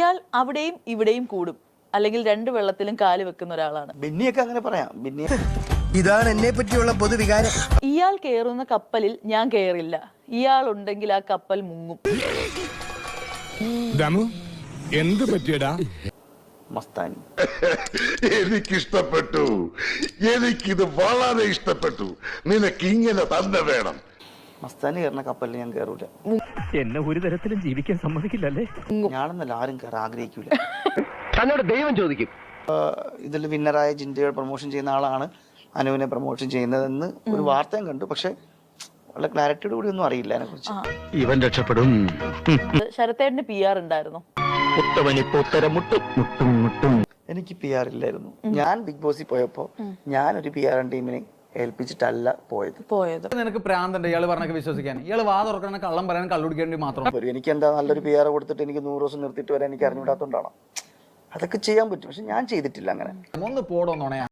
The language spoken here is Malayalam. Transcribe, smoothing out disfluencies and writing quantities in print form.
ഇയാൾ അവിടെയും ഇവിടെയും കൂടും, അല്ലെങ്കിൽ രണ്ട് വെള്ളത്തിലും കാല് വെക്കുന്ന ഒരാളാണ്. ബിന്നിയൊക്കെ അങ്ങനെ പറയാം. ബിന്നി ഇതാണ് എന്നെ പറ്റിയുള്ള പൊതുവികാരം. ഇയാൾ കയറുന്ന കപ്പലിൽ ഞാൻ കയറില്ല. ഇയാൾ ഉണ്ടെങ്കിൽ ആ കപ്പൽ മുങ്ങും. എന്ത് പറ്റിയടാ? മസ്താനി എനിക്കിഷ്ടപ്പെട്ടു. എനിക്കിത് വളരെ ഇഷ്ടപ്പെട്ടു. നിനക്ക് ഇങ്ങനെ തന്നെ വേണം. മസ്താനി കയറുന്ന കപ്പലിൽ ഞാൻ കയറൂല. എന്നെ ഒരു തരത്തിലും ജീവിക്കാൻ സമ്മതിക്കില്ലല്ലേ? ഞാനെന്നല്ല, ആരും കയറാൻ ആഗ്രഹിക്കൂല. തന്നോട് ദൈവം ചോദിക്കും. ഇതിൽ വിന്നറായ ജിൻഡയുടെ പ്രൊമോഷൻ ചെയ്യുന്ന ആളാണ് അനുവിനെ പ്രൊമോഷൻ ചെയ്യുന്നതെന്ന് ഒരു വാർത്തയും കണ്ടു. പക്ഷെ വളരെ ക്ലാരിറ്റിയോട് കൂടി ഒന്നും അറിയില്ല അതിനെ കുറിച്ച്. ഇവൻ രക്ഷപ്പെടും. ശരത്തേട്ടന് PR ഉണ്ടായിരുന്നു. എനിക്ക് PR ഇല്ലായിരുന്നു. ഞാൻ ബിഗ് ബോസിൽ പോയപ്പോ ഞാനൊരു PR ടീമിനെ ഏൽപ്പിച്ചിട്ടല്ല പോയത്. നിനക്ക് പ്രാന്തണ്ട് ഇയാള് പറഞ്ഞൊക്കെ വിശ്വസിക്കാൻ. ഇയാള് വാ തുറക്കണ കള്ളം പറയാൻ കള്ളുടിക്കേണ്ടി മാത്രം. എനിക്ക് എന്താ നല്ലൊരു PR കൊടുത്തിട്ട് എനിക്ക് 100 ദിവസം നിർത്തിയിട്ട് വരാൻ എനിക്ക് അറിഞ്ഞൂടാത്തോണ്ടാണ്. അതൊക്കെ ചെയ്യാൻ പറ്റും, പക്ഷെ ഞാൻ ചെയ്തിട്ടില്ല അങ്ങനെ. ഒന്ന് പോടോന്നോണയാ.